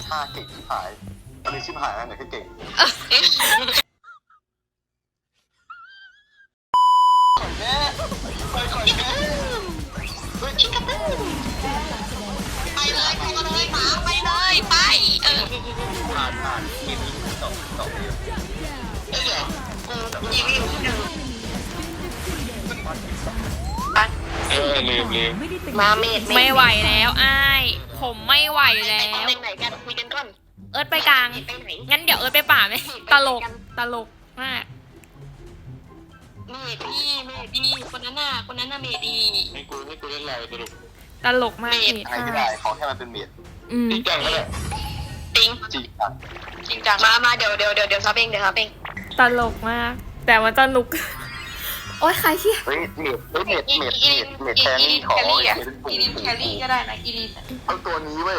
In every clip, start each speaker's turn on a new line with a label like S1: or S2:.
S1: ท่าเก่งชิบหายอันนี้ชิบหายนะเนี่ยแค่เก่งแม่ไปก่อนแม่
S2: ชิคกี้พายไปเลยไปเลยหมาไปเลยไป
S1: ผ่านกินต่อเดียว
S2: ยิง
S1: ลืม
S2: มาเมด
S3: ไม่ไหวแล้วอ้ายผมไม่ไหวแล้ว
S2: ไปไหนกันคุยกันก่อน
S3: เอิร์ธไปกลางงั้นเดี๋ยวเอิร์ธไปป่าไหมตลกมาก
S2: เมดีคนนั้นน่ะเมดี
S1: ให้กูเล่นอะไรสรุป
S3: ตลกมากเมด
S1: ไม่ได้ขอแค่มันเป็นเมดจริงจังเลย
S2: จริงจังมาเดี๋ยวซับเอง
S3: ตลกมากแต่มันสนุกโอ๊ยใครเชี่ย
S1: เฮ้ยเมดแครี่ขอ
S2: อีลินแครี่ก็ได้นะอีลิน
S1: เอาตัวนี้เว้ย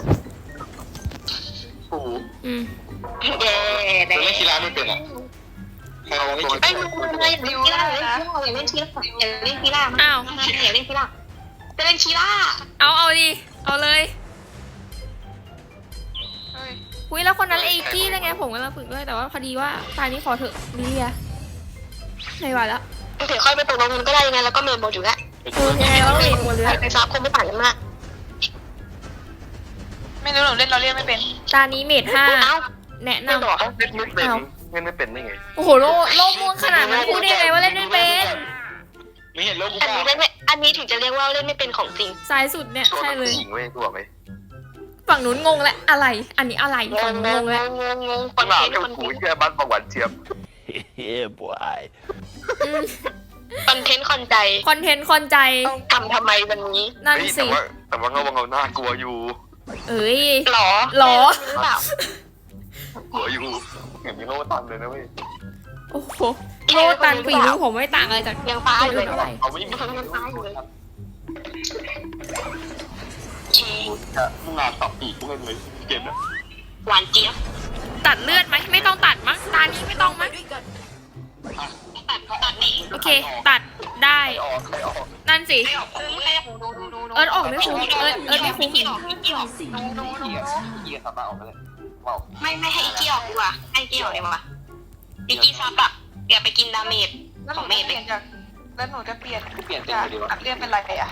S1: ปู
S2: เย้
S1: แต่เล่นกีฬาไม่เป็นอ่ะเราไม่คิด
S2: ไม่รู้เลยอยากเล่นกีฬาอยากเล่นกีฬา
S3: อ้าว
S2: อยากเล่นกีฬาจะเล่นกีฬา
S3: เอาดิเอาเลยอุ้ยแล้วคนนั้นไอ้กี้ได้ไงผมกำลังฝึกด้วยแต่ว่าพอดีว่าตายนี้ขอเถอะลิเลียไม่ไหวแล้ว
S2: เดี๋ยวค่อยไปตกลงกันก็ได้ยังไงแล้วก็เมนบอลอยู่แล้ว
S3: ยังไงแล้วเมนหมดเลย
S2: ไปซับคงไม่ต่างกันมากไม่รู้หนูเล่นเราเรียกไม่เป็น
S3: ตานี้เมด5แนะนำ
S1: เล่นไม่เป็นได้ไง
S3: โอ้โหโลม่วงขนาดนั้นพูดได้ไงว่าเล่นไม่เป็น
S1: ไม่เห็นโลก
S2: อันนี้ถึงจะเรียกว่าเล่นไม่เป็นของจริง
S3: สายสุดเนี่ยใช่เลย
S1: หญิงเว้ยตัวไป
S3: ฝั่งนู้นงงแล้วอะไรอันนี้อะไรฝั่งงงแล้ว
S2: คน
S1: เที่ยวหูแค่บ้านประวัติเชียบ
S2: เฮ้บอยคอนเทนต์คอนใจทำไมวันนี้
S3: นั่นสิ
S1: แต่ว่าเขาหน้ากลัวอยู่
S3: เอ้ย
S2: หร
S1: อกลัวอยู่เห็นมีโลตันเลยนะเว้ย
S3: โอ้โหโลตันปีนี้ผมไม่ต่างอะไรจาก
S2: ยังฟ้าอยู่เลย
S1: เขาไม่มี
S2: ยังฟ้าอยู่เลย
S1: จะงานต่อปีกเล่นเลยเกมนะ
S2: หวานเจี๊ยบ
S3: ตัดเลือดไหมไม่ต้องตัดมั้งตานี้ไม่ต้องมั้ง
S2: ตัดนี่
S3: โอเคตัดได้นั่นสิเอิร์ธออกไม่คุ้มเอิร์ธไม่คุ้ม
S2: ไม่ให้อีกี้ออกดีกว่าให้อีกี้ออกดีกว่าอีกี้ซับอะอย่าไปกินดาเมจของเมจเลย
S4: แล้วหนูจะเปลี่ยน
S1: จาก
S4: อัดเรียนเป็นอะไรอะ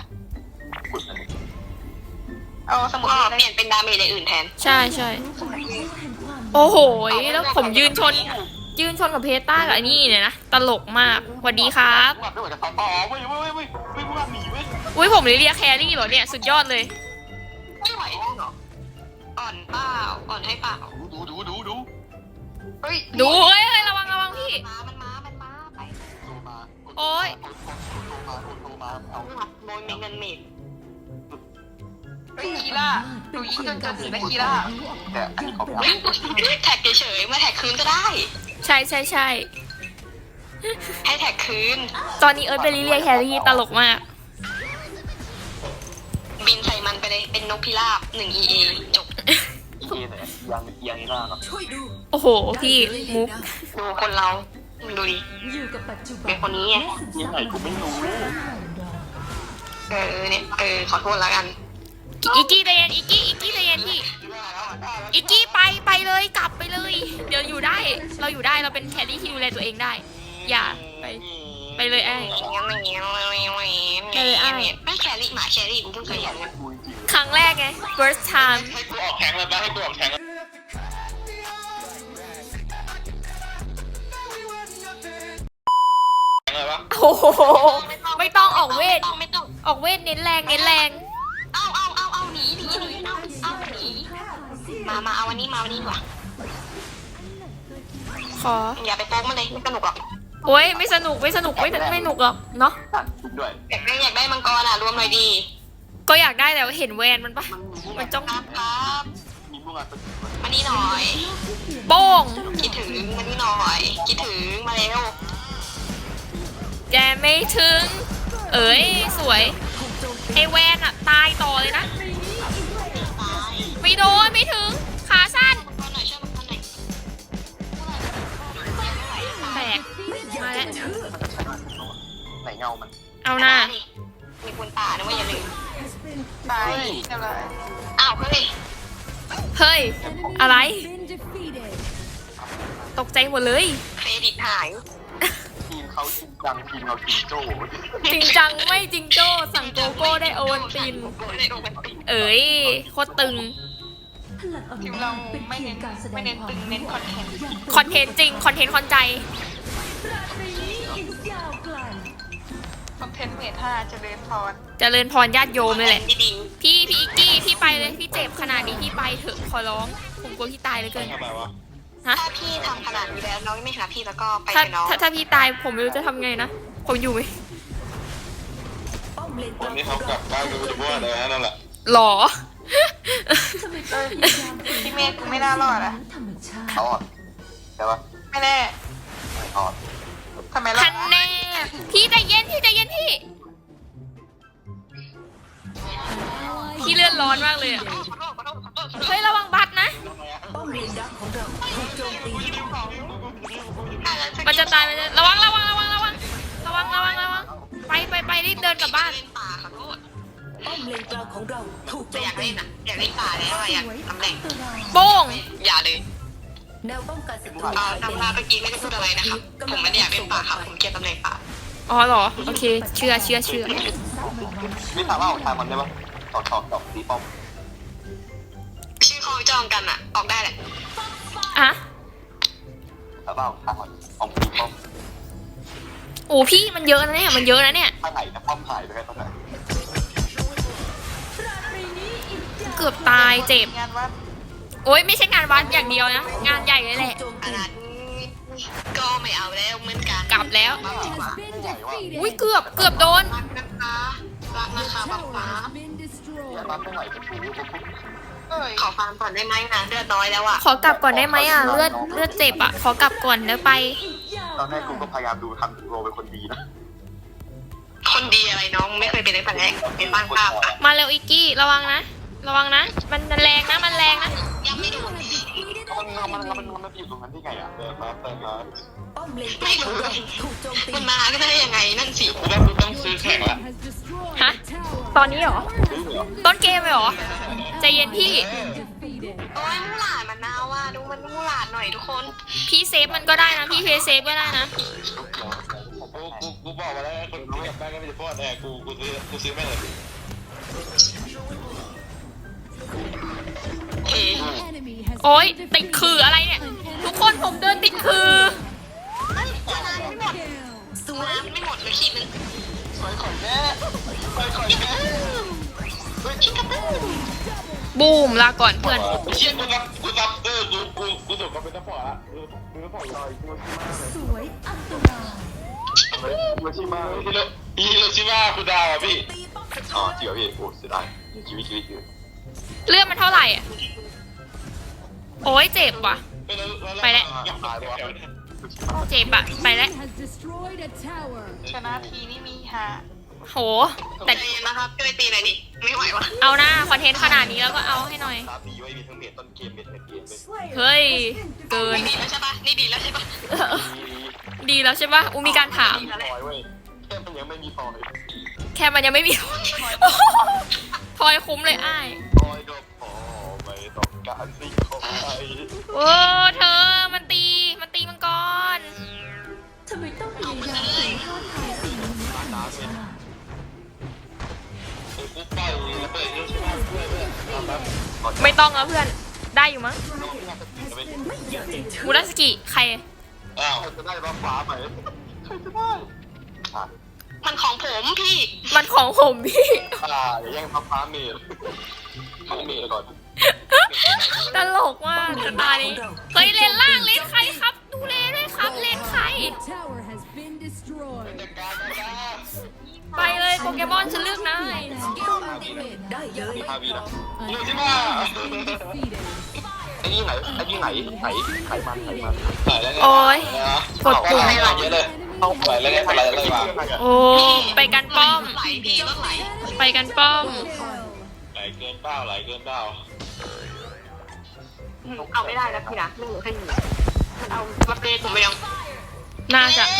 S4: เอาสมุด
S2: เปลี่ยนเป็นดาเมจในอื่นแทน
S3: ใช่โอ้โหแล้วผมยืนชนกับเพต้ากับไอ้นี่เนี่ยนะตลกมากสวัสดีครับอุ้ยผมเรียกแครี่เหรอเนี่ยสุดยอดเลย
S2: ไม่ไหวหรออ่อนเปล่าอ่อนให้เปล่า
S3: ดูเฮ้ยระวังพี่
S2: มันมาไป
S3: โอ้ย
S2: โดนมีเงินเมด
S4: คีร่าหนูยิงจนถึงได้คีร่า
S1: แต่อันนี้เขา
S2: แท็กเฉยๆมาแท็กคืนก็ได้
S3: ใช่
S2: ให้แท็กคืน
S3: ตอนนี้เอิร์ธเป็นลิเลียแครี่ตลกมาก
S2: บินใส่มันไปเลยเป็นนกพิราบ1 EA จบ
S1: EA ไหนยังนี่น่าเนาะ
S3: โอ้โหพี่มุก
S2: ดูคนเราดูดิเป็นคนนี้ไง
S1: ยังไงกูไม่รู้
S2: เนี่ยขอโทษแล้วกัน
S3: อีกี้ใจเย็นอีกี้ใจเย็นพี่อีกี้ไปเลยกลับไปเลยเดี๋ยวอยู่ได้เราอยู่ได้เราเป็นแครี่ที่ดูแลตัวเองได้อย่าไปเลยไอ้
S2: ไม่แครี่หมาแครี่กูเพิ่งเคยเห็น
S3: ครั้งแรกไง first time
S1: ให้กูออกแทงเลยป่ะให้กูออกแทง
S3: โอ้โหไม่ต้องออกเวทออกเวทเน้นแรง
S2: เอาหนีมาเอาวันนี้ดีกว่า
S3: ขอ
S2: อย่าไปโป๊กมันเลยไม่สนุกหรอก
S3: โอ้ยไม่สนุกไม่หนุกหรอกเนาะ
S2: อยากได้มังกรอ่ะรวมหน่อยดี
S3: ก็อยากได้แต่เห็นแวนมันปะมันจ้อง
S2: ครับมานี่หน่อย
S3: โป้ง
S2: คิดถึงมานี่หน่อยคิดถึงมาเร็ว
S3: แกไม่ถึงเอ้ยสวยไอแวนอะตายต่อเลยนะไม่โดนไม่ถึงขาสั้นแตกมาแล้ว
S1: ไหนเงามัน
S3: เอาหน้า
S2: มีคนป่านะว่าอย่าลืม
S4: ไปอะไร
S2: อ้าวเฮ้ย
S3: เฮ้ย อะไร ตกใจหมดเลย
S2: เครดิตหาย
S1: ทีมเขาจริงจังทีมเราจริงโจ้
S3: จริงจังไม่จริงโจ้สั่งโกโก้ได้โอวันติน เอ๋ยโคตรตึง
S4: ทีมเราไม่เน้นตึงเน้นคอนเทนต์
S3: คอนเทนต์จริง คอนเทนต์คอนใจ
S4: คอนเทนต์เมท่าเจริญพร
S3: เจริญพรญาติโยมเลยแหละ
S2: ที่ดี
S3: พี่อิกกี้พี่ไปเลยพี่เจ็บขนาดนี้พี่ไปเถอะขอร้องผมกลัวพี่ตายเหลยเกิน
S1: ทำไมวะ
S3: ฮะ
S2: ถ้าพี่ทำขนาดนี้แล้วน้องไม่หาพี่แล้วก็ไป
S3: ถ้า
S2: กับน้อง
S3: ถ้าพี่ตายผมไม่รู้จะทำไงนะผมอยู่ไหม
S1: วันนี้เขากลับบ้านกันไปทั่วเลยนั่นแหละ
S3: หรอ
S4: พี่เมธกูไม่น่ารอดอะ
S1: เขาอ่ะใช่ปะ
S4: ไม่แน่
S1: อ๋อ
S4: ทำไมล่ะ
S3: ทันแน่พี่ใจเย็นพี่ใจเย็นพี่พี่เลื่อนร้อนมากเลยอะเฮ้ยระวังบัตรนะ มันจะตายมันจะระวังไปรีบเดินกลับบ้าน
S2: เล่นป่าขอโทษแต่อยากเล่นอ่ะอยากเล่นป่าแล้วอะอยากตำแหน่ง
S3: โป้ง
S2: อย่าเลยตำราเมื่อกี้ไม่ได้พูดอะไรนะครับผมไม่ได้อยากเล่นป่าครับผมเกลียดตำแหน่งป่า
S3: อ๋อเหรอโอเคเชื่อ
S1: ไม่ถามว่าออกทางมันได้ปะตอกตีป้อม
S2: ชื่อเขาจองกันอ่ะออกได้แหละ
S3: อะ
S1: ถามว่าออกทางมันออกตีป้อม
S3: โอ้พี่มันเยอะนะเนี่ยมันเยอะนะเนี่ย
S1: ข้างไหนนะป้อมหายไปแค่ตอนไหน
S3: เกือบตายเจ็บ
S4: งานวัด
S3: โอ้ยไม่ใช่งานวัดอย่างเดียวนะงานใหญ่เลยแหละ
S2: อันนั้นก็ไม่เอาแล้วเหมือนกัน
S3: กลับแล้ว
S2: ดีกว่า
S1: ไม่ใหญ่ว่ะ
S3: อุ้ยเกือบโดน
S2: รักนะคะรักนะคะป๊าป๊า
S1: เนี่ยร้านไม่ไหวจะถู
S4: เอ้ย
S2: ขอฟังก่อนได้ไหมนะเลือดน้อยแล้วอ่ะ
S3: ขอกลับก่อนได้ไหมอ่ะเลือดเจ็บอ่ะขอกลับก่อนแล้วไป
S1: ตอนแรกกูก็พยายามดูทำโรเป็นคนดีนะ
S2: คนดีอะไรน้องไม่เคยเป็นในแต่แรกเป็นบ้างภาพอ่ะ
S3: มาเร็วอิกกี้ระวังนะมันแรงนะมันแรงนะ
S2: ยังไม่ดู
S1: มันอยู่ตรงนั้นได้ไงอ่ะเดินมา
S2: ไม่รู้มันมาก็ได้ยังไงนั่นสิ
S1: กูว่ากูต้องซื้อแข่งละ
S3: ฮะตอนนี้เหรอ
S1: ซื้อเหรอ
S3: ต้นเกมเลยเหรอใจเย็นพี่
S2: โอ้ยมูหลาดมันน่าว่าดูมันมูหลาดหน่อยทุกคน
S3: พี่เซฟมันก็ได้นะพี่เพย์เซฟก็ได้นะ
S1: กูบอกมาแล้วคนที่กลับบ้านก็ไม่จะพอดแน่กูซื้อแม่งเลย
S2: เอ๋
S3: โอ้ยติดคืออะไรเนี่ยทุกคนผมเดินติดคือ
S2: น้ำไม่หมดไม่หมดเลยขีดนึง
S1: สวยข่อยแม่สวยข่อยแม่
S2: ชิคกี้พาย
S3: บูมลาก่อนเพื่อน
S1: เชี่ยกูรับกูส่งเขาเป็นซัพพอร์ตละกูซัพพอร์ตลอยกูชิมาฮิโรชิมาคุณดาวอ่ะพี่อ๋อจริงเหรอพี่โอ้เสียดายชีวิต
S3: เลือดมันเท่าไหร่อ่ะโอ้ยเจ็บว่ะ ไปแล้ว
S1: ตายเลยวะ
S3: เจ็บอะไปแล้ว
S4: ชนะทีนี่มีหา
S3: โหแต่
S2: ใจเย็นนะครับช่วยตีหน่อยดิไม่ไหววะ
S3: เอาหน้าคอนเทนต์ขนาดนี้แล้วก็เอาให้หน่อย
S1: ตาดีไว้มีทั้งเมทต้นเกมเมทเกมเลย
S3: เฮ้ยเกิน
S2: นี่ดีแล้วใช่ปะนี่ดีแล้วใช่ปะ
S3: ดีแล้วใช่ปะอูมีการถาม
S1: พอยเว้ยแค่มันยังไม่มีพอย
S3: แค่มันยังไม่มี พลอยคุ้มเลยอ้าย
S1: พอยก็พอไม่ต้องการสิ่งของใคร
S3: โอ้เธอมันตีมังกร
S5: ทำไมต้องพยายามฝืนท้าทายสิ่งนี้ธรรมชาติ
S1: กูปล่อยระเบิดฮิโรชิมาเพื่อน
S3: ไม่ต้องแล้วเพื่อนได้อยู่มั้งมูราสกิใคร
S1: อ้าวใครจะได้บ้าฟ้าไหมใครจะได้
S2: มันของผมพี่
S3: มันของผมพี่
S1: อย่าแย่งฟ้าเมทเมทก่อน
S3: ตลกมากตานี้เฮ้ยเลนล่างเลนใครครับ ดูเลนด้วยครับเลนใคร ไปเลยโปเกมอนฉันเลือกนาย
S1: มีฮาวีนะฮิโรชิมาไอ้นี่ไหนมันแล้วไง
S3: โอ้ยกดปุ่ม
S1: เยอะเลยเข้าไปแล้วไงอะไรเลยว่ะ
S3: โอ้ไปกันป้อม
S2: ไหลพี่รถไหล
S3: ไปกันป้อม
S1: ไหลเกินเป้า
S2: เอาไม่ได้แล้วพี่นะไม่เหลือแค่หนึ่งมันเอามาเปย์ผมไปยัง
S3: น่าจะ
S2: ไม่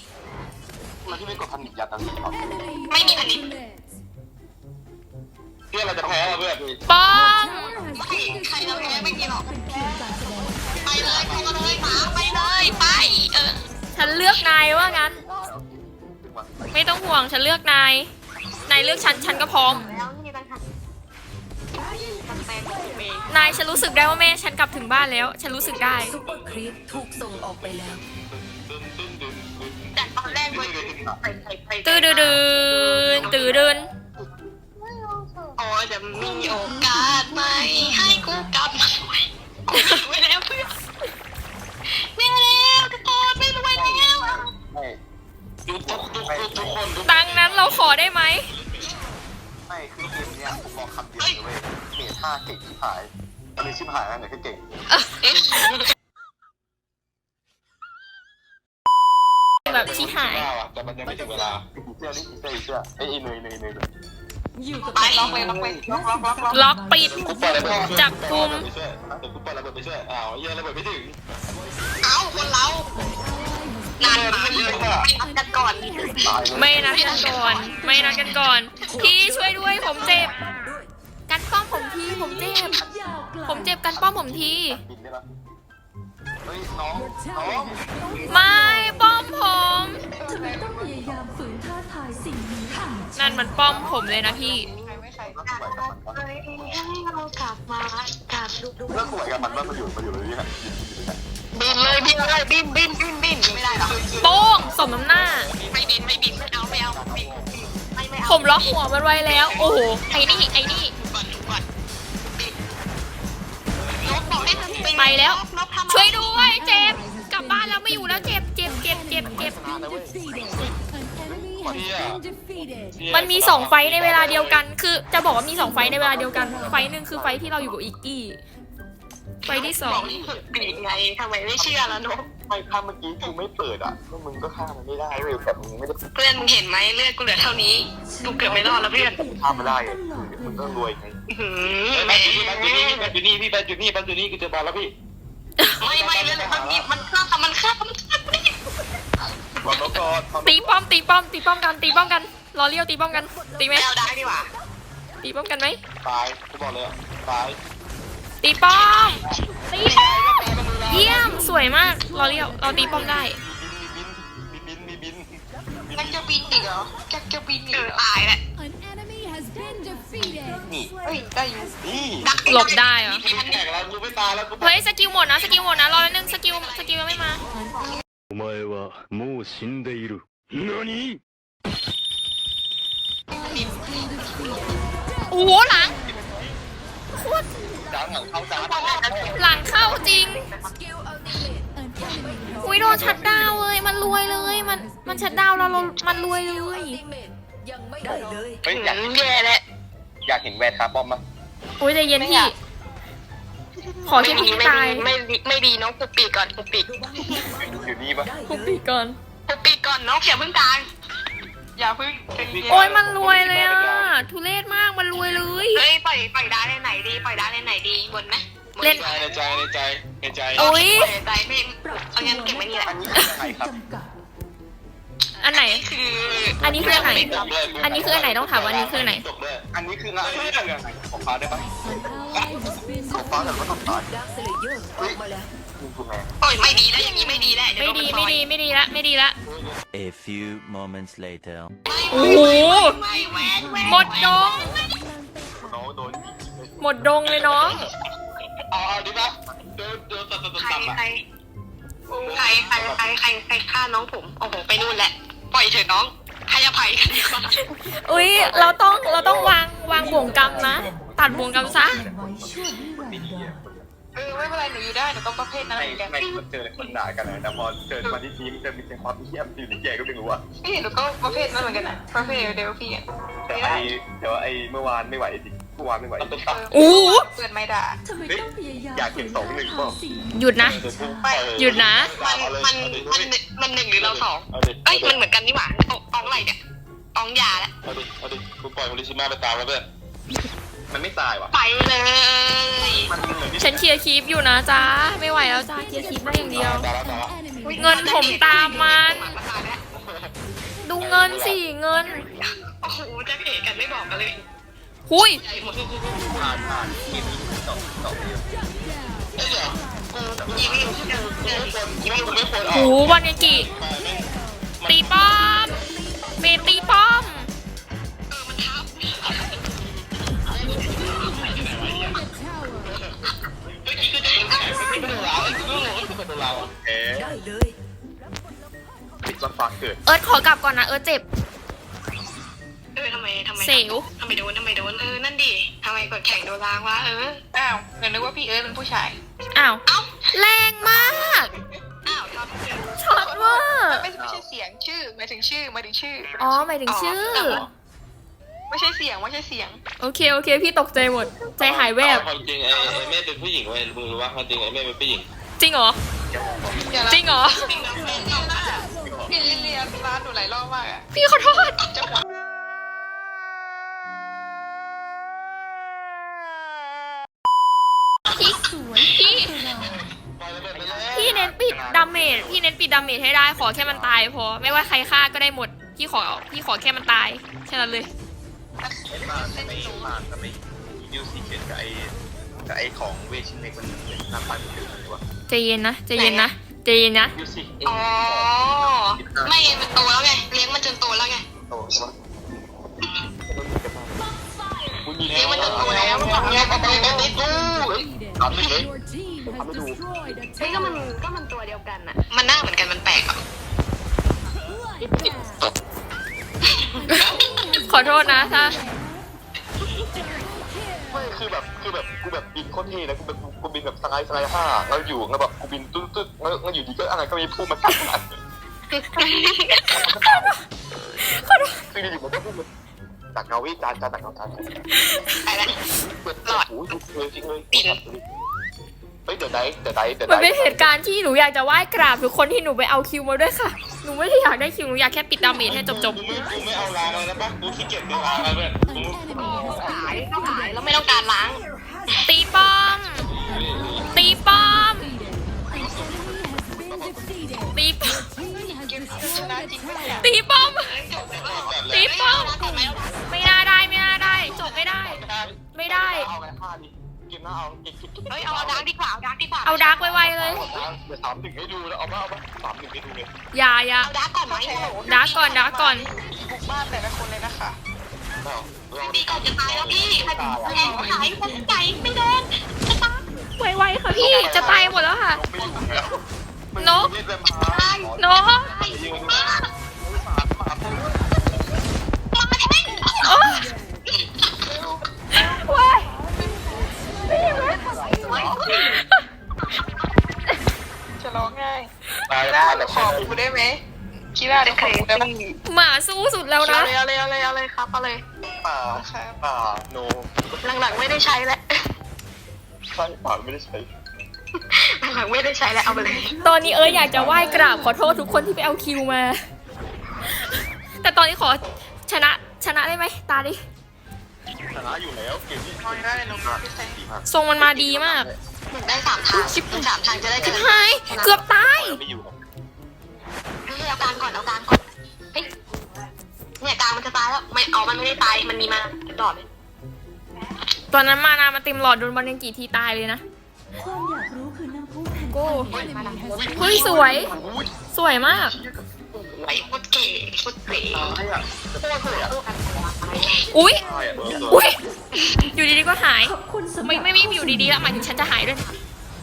S1: มันที่ไม่กดพันยัดนั่นสิครับ
S2: ไม่มีพันนิด
S1: พี่พื่อนเราจะแพ้เพื่อน
S3: ป้อม
S2: ใครเราแพ้ไม่กินหรอก
S5: เป็นเพียงการแสดง
S2: ไปเลยเข้ามาเลยหมาไปเลยไป
S3: ฉันเลือกนายว่างั้น ไม่ต้องห่วงฉันเลือกนายนายเลือกฉันก็พร้อม
S2: แล้วนี่ต่างหากมันเป็นเอง
S3: นายฉันรู้สึกได้ว่าแม่ฉันกลับถึงบ้านแล้ว ฉันรู้สึกได้
S5: ซุปเปอร์ครีปถูกส่งออกไปแล้ว
S2: จากตอนแรกเลยไป
S3: ตื่นตื่น
S2: โอ้จะมีโอกาสไหมให้กูกลับมาไม่แล้วเพื่อนไม่แล้วทุกคนไม่รวยแล้ว
S1: ทุกคน
S3: ดังนั้นเราขอได้ไหม
S1: ไม่คือเกมเนี้ยผมบอกคำเดียวเลยเว้ยเมท่าเก่งชิบหายอันนี้ชิบหายนะเนี่ยแค่เก่ง
S3: แบบที่หาย
S1: แต่มันยังไม่ถึงเวลาเชื่อนี่เชื่อไอ้เนย
S5: อยู่กับ
S2: ไปล็อกไปล็อกไปล็อก
S3: ล็อกปิด
S1: กูปล่อยระเบิด
S3: จับกุม
S1: ไปช่วยเดี๋ยวกูปล่อยระเบิดไปช่วยอ้าวเหี้ยระเบิดไม่ถึง
S2: เอ้าคนเรานานมาไม่นัดกันก่อน
S1: ตายเลย
S3: ไม่นัดกันก่อนไม่นัดกันก่อน พี่ช่วยด้วยผมเจ็บ กันป้อมผมทีผมเจ็บ
S5: ยาวไกล
S3: ผมเจ็บกันป้อมผมที
S1: บินได้ปะเฮ้ยน้อง
S3: ไม่ป้อมผม
S5: ทำไมต้องพยายามฝืนท้าทายสิ่งนี้ค่ะ
S3: นั่นมันป้อมผมเลยนะพี่
S2: ให้เรากลับมากับลูก
S1: เรื่องสวยกับมันว่ามันอยู่เลยเนี่ย
S2: บินเลยบินเลยบินไม่ได้หรอ
S3: โป้งสมน้ำหน้า
S2: ไม่บินไม่เอาไม่เอาไม่เอา
S3: ผมล็อกหัวมันไว้แล้ว โอ้โห ไอ้นี่
S2: ก่อนนกบอกให้เธอ
S3: ไปแล้ว
S2: นกทำ
S3: ช่วยด้วยเจ็บ กลับบ้านแล้วไม่อยู่แล้วเจ็บ มันมีสองไฟท์ในเวลาเดียวกัน คือจะบอกว่ามีสองไฟท์ในเวลาเดียวกัน ไฟท์หนึ่งคือไฟท์ที่เราอยู่กับอิกกี้ ไฟท์ที่สอง
S2: ปีกไงทำไมไม่เชื่อแล้วนก
S1: ไม่ถ้าเมื่อกี้กูไม่เปิดอ่ะก็มึงก็ฆ่ามันไม่ได้เว้ยแต่มึงไม่ได้
S2: เพื่อนมึงเห็นไหมเลือดกูเหลือเท่านี้กูเกือบไม่รอดแล้วเพื่อน
S1: ฆ่ามันได้มึงก็รวยไง
S2: แหม
S1: พี่แบนอยู่นี่กูเจอบอลแล้วพี่
S2: ไม่เรื่องมันฆ่า
S1: บอลแล้วก็
S3: ตีป้อมกัน รอเลี้ยวตีป้อมกัน ตีไหม
S2: แล้วได้ดีกว่า
S3: ตีป้อมกันไหม
S1: ตายกูบอกเลยตาย
S3: ตีป้อม เยี่ยม สวยมาก รอเลี้ยว เราตีป้อมได้
S1: บิน
S2: มันจะบินอีกเหรอจะบินอีกตายแหละ
S1: นี่
S2: เฮ้ยได้อยู่
S1: นี่
S3: หลบได้เหรอ
S1: แข่งแล้วกูไม่ตายแล้วกู
S3: เฮ้ยสกิลหมดนะ รอแป๊บนึงสกิลยังไม่มา
S6: お前はもう死んでいる。何？
S3: โอ้โหหลังโคตร
S1: จ้างหลังเข้าจ้าง
S3: หลังเข้าจริง อุ้ยโดนชัดดาวเลย มันรวยเลย มันชัดดาวเรามันรวยเลย
S1: เฮ้ยอยาก
S2: แย่แหละ
S1: เห็นแวร์คาร์บอมมั้ย
S3: อุ้ยใจเย็นพี่ ขอแค่พี่ตาย
S2: ไม่ดีน้องปุบปีก่อนปุบปี
S1: อยู่นี่ปะ
S3: คุกปีก่อน
S2: ปุบปีก่อนน้องอย่าเพิ่งกลางอย่าเพิ่ง
S3: โอ้ยมันรวยเลยอ่ะ ทุเรศมากมันรวยเลย
S2: เฮ้ยปล่อยได้ในไหนดีบนไหม
S3: เล่น
S1: ในใจ
S3: อุ้ย
S2: ใจไม่เอางั้นเก็บไว้นี่แหละ
S1: อันนี้คือใครครับ
S5: จำกัด
S3: อันไหน
S2: คือ
S3: อันนี้คืออันไหน อันนี้คืออันไหนต้องถามว่าอันนี้คืออันไหน
S1: อันนี้คืองานของฟ้าได้ปะของฟ้าแต่ก็ต้องตายเฮ้ยคุณแม่
S2: โอ้ยไม่ดีแล้วอย่างนี้ไม่ดีแล้ว
S3: ไม่ดีละ
S6: A few moments later.
S3: โอ้โห
S2: ไม่แหวน
S3: หมดดง
S1: น้องโดน
S3: หมดดงเลยน้อง
S1: เอาดิปะโดนตัด
S2: ใคร
S1: อ่ะ
S2: ฆ่าน้องผมโอ้โหไปนู่นแหละปล่อยเถอะน้องให้อภัยกันดีกว่า
S3: อุ้ยเราต้องวางบ่วงกรรมนะ ตัดบ่วงกรรมซะ
S5: ไว้ชั่วนิรันดร์
S2: ไม่เป็นไรหนูอยู่ได้หนูต้องประเภทนั้นเหมือนกัน
S1: ไม่เจอคนด่ากันนะแต่พอเจอมาที่ทีมจะมีแต่ความเยี่ยมอยู่ในแกก็ไม่รู้ว่า
S2: พี่หนูก็ประเภทนั้นเหมือนกันนะประเภทเดลพี่อ่ะ
S1: แต่ไอ้เมื่อวานไม่ไหวจริงเมื่อวานไม่ไหว
S3: โอ้โห
S2: เปิดไม่ด่า
S5: ทำไมต้องพยายาม
S1: อยากเห็น2-1เปล่า
S5: สิ่ง
S3: หยุดนะ หยุดนะ
S2: มันหนึ่งหรือเราสองเอ้ยมันเหมือนกันนี่หว่าอองอะไรเนี่ยอองยาแล้ว
S1: เอาดิกูปล่อยโมริชิมาไปตามแล้วเพื่อนมันไม่ตายว่ะ
S2: ไปเลย
S1: มันเหมือนที่
S3: ฉันเคลียร์คลิปอยู่นะจ้าไม่ไหวแล้วจ้าเคลียร์คลิปได้อย่างเดียว
S1: ตายแล้ว
S3: เงินผมตามมัน ดูเงินสิเงิน
S2: โอ้โหจะเหตุกันไม่บอกกันเลย
S3: หุย
S1: ผ่านทีมสองเดียวเอ้ยเดี๋ยวกูยิงไม่ควรอ
S3: หู
S1: อก
S3: บอลเนกิตีป้อมเมย์ตีป้อม
S1: ไม่โดนเราไม่โดนเราเอ๊ะ
S2: ได้เลย
S1: ปิดวันฟ้าเกิด
S3: เอิร์ธขอกลับก่อนนะเอิร์ธเจ็บ
S2: ทำไม
S3: เสว
S2: ทำไมโดนนั่นดิทำไมกดแข่งโดนล้างวะ
S4: อ้าวเดี๋ยวนึกว่าพี่เอิร์ธเป็นผู้ชาย
S3: อ้าว
S2: เอ้า
S3: แรงมาก
S2: อ้าวทำเสียง
S3: ช็อตเว่า
S4: ไม่ใช่เสียงชื่อหมายถึงชื่อ
S3: อ๋อหมายถึงชื่อ
S4: ไม่ใช่เสียงไม่ใช่เสียง
S3: โอเคโอเคพี่ตกใจหมด ใจหายแวบ
S7: ความจริงไอ้แม่เป็นผู้หญิงเว้ยมึงรู้ว่าความจริงไอ้แม่เป็นผู้หญิง
S3: จริงเหรอ จริงเหรอ
S4: พี่ลิเลียร้านหนูหลายรอบมากอ่ะ
S3: พี่ขอโทษ
S4: จังหวะ
S3: พี่พี่พี่เน้นปิดดาเมจพี่เน้นปิดดาเมจให้ได้ขอแค่มันตายพอไม่ว่าใครฆ่าก็ได้หมดพี่ขอแค่มันตายแค่นั้นเลย
S1: มาไม่ยูซีเกตกับไอ้ของเวชินเล็กมันหน้าตาเหมือนกันเลยวะ
S3: ใจเย็นนะใจเย็นนะใจเย็นนะ
S1: ยูซี
S2: อ๋อไม่ไงมันโตแล้วไงเลี้ยงมันจนโตแล้วไง
S1: โตใช่ไหมคุณยิง
S2: เลี้ยงมันจนโตแล้วมันบอกไง
S1: ทำไม่เลย
S2: เฮ้ยก็มันตัวเดียวกันอะมันหน้าเหมือนกันมันแปลกอ่ะ
S3: ขอโทษนะถ้า
S1: ไม่คือแบบกูแบบบินโคตรเท่นะกูบินแบบสไลด์ห้าแล้วอยู่แล้วแบบกูบินตึ๊ดแล้วอยู่ดีก็อะไรก็มีพุ่งมาทับมันคืออยู่มันก็พุ่งมาตักเงาวิจานตักเงาจาน
S2: ไปแล้ว
S1: หลอดโอ้ยจริงเลยเฮ้ยเดี๋ยวได้
S3: มันเป็นเหตุการณ์ที่หนูอยากจะไหว้กราบทุกคนที่หนูไปเอาคิวมาด้วยค่ะหนูไม่ได้อยากได้คิวหนูอยากแค่ปิดดาเมจให้จบ
S7: กูไม่เอาล้างเลยนะปะกูขี้เกียจเดินล้างเลยเพื่อน
S2: หายแล้วไม่ต้องการล้าง
S3: ๆตีป้อมตีป้อมตีป้อม
S4: ชนะจริงไหมเนี่ย
S3: ตีป้อม ตีป้อม
S2: จบไหม
S3: ไม่น่าได้จบไม่ได้
S1: เอาไงฆ่าดิกินหน้าเอากิน
S2: เฮ้ยเอาดาร์กดีกว่า
S3: เอาดาร์กไวๆเลย
S1: เดี๋ยว3-1ให้ดูแล้วเอามา3-1ให้ดูเลย
S3: อย่า
S2: เอาดาร์กก่อนไหม
S3: ดาร์กก่อน
S4: บุกบ้านแต่ละคนเลยนะคะ
S2: ตีก่อนจะตายแล้วพี่แรงหายคนใจไม่โดนจะตาย
S3: ไวๆค่ะพี่จะตายหมดแล้วค่ะ
S1: นก
S3: เนาะ
S2: มาแทง
S3: โอ้ว้าย
S4: จะร้องง่าย
S1: ตาย
S4: ได้
S1: แล้ว
S4: ขอกูได้ไหมคิดว่าจะขอกูได้ไหม
S3: หมาสู้สุดแล้วนะ
S2: เอาเลยครับเอาเลย
S1: ป่าโน
S2: หลังๆไม่ได้ใช้แล้ว
S1: ใช่ป่าไม่ได้ใช้
S2: หลังๆไม่ได้ใช้แล้วเอาไปเลย
S3: ตอนนี้อยากจะไหว้กราบขอโทษทุกคนที่ไปเอาคิวมา แต่ตอนนี้ขอชนะได้ไหมตาดิ
S1: ชนะอยู่แล้วเกมที่
S4: ร้องได้เลยน้องพี่แซง
S3: ทรงมันมาดีมาก
S2: ได้3 ทาง3 ทางจะได้
S3: ชิบหายเกือบตาย
S1: ไม่อยู่
S2: เอากลางก่อนเฮ้ยเนี่ยกลางมันจะตายแล้วไม่เอามันไม่ได้ตายมันมีมาดอดเลย
S3: ตอนนั้นมานามันเต็มหลอดโดนบอลยังกี่ทีตายเลยนะ
S5: ความอยากรู้คือน้ำพุแห่ง
S3: โก้
S5: การ
S3: เฮ้ยสวยมาก
S2: ไอ้โคตรเก๋โคตรเก๋
S1: ตายอ่ะโคตรเลยอ่ะ
S3: อุ๊ย
S1: ตายอ่ะ
S3: อุ๊ยอยู่ดีๆก็หาย
S5: ขอบคุณสำหรับ
S3: ไม่อยู่ดีๆแล้วหมายถึงฉันจะหายด้วยนะ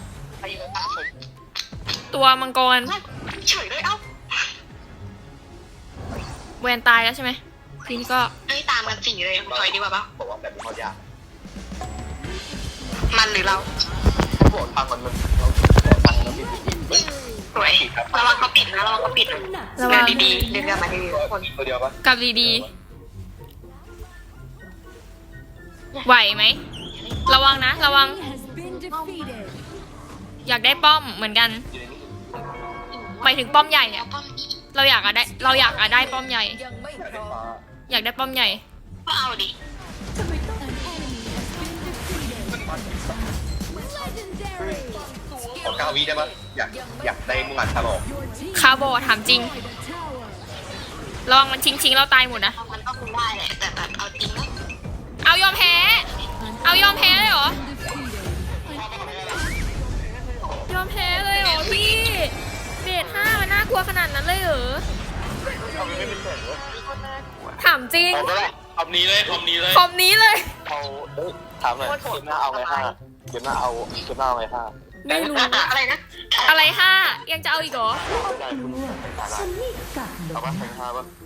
S3: ตัวมังกร
S2: เฉยเลยเอ้า
S3: แวนตายแล้วใช่ไหมทีนี้ก็
S2: เฮ้ยตามกัน4เลยถอยดีกว่าปะ
S1: บอกว่าแบบนี้เขายาก
S2: มันหรือเรา
S1: บอกทางมันเราทางมันผิด
S2: สวยระวังเขาปิดนะระวังเขาปิดนะ
S3: ระวัง
S2: ดีๆเดินกันมาดีๆทุกคน
S1: ตัวเดียวปะ
S3: กลับดีๆไหวไหมระวังนะระวังอยากได้ป้อมเหมือนกันหมายถึงป้อมใหญ่อะเราอยากได้ป้อมใหญ่
S2: ยังไม่พร้อม
S3: อยากได้ป้อมใหญ่
S2: ก็เอาดิ
S1: ขอ9 วิได้ปะอยากได้มุ่งอัดฉลอง
S3: คาร์โบถามจริงระวังมันชิงเราตายหมดนะ
S2: มันก็คงได้แหละแต่แบบเอาจริงนะ
S3: เอายอมแพ้ เอายอมแพ้เลยเหรอ ยอมแพ้เลยเหรอพี่เบส5มันน่ากลัวขนาดนั้นเลยเหรอ
S7: เอาไปไม่เป็นแสนเลย
S3: ถามจริง
S7: เอาไปละคำนี้เลยคำนี้เลย
S3: คอมนี้เลย
S1: เอาถามหน่อยเกมหน้าเอาไง5เกมหน้าเอาไง5
S3: ไม่รู้
S2: อะไรนะ
S3: อะไร5ยังจะเอาอีกเหรอ
S1: ได้คุณ
S5: ฉันไม่กัดหร
S1: เอา
S5: อก
S1: ป่ะแข่ง5ป่ะ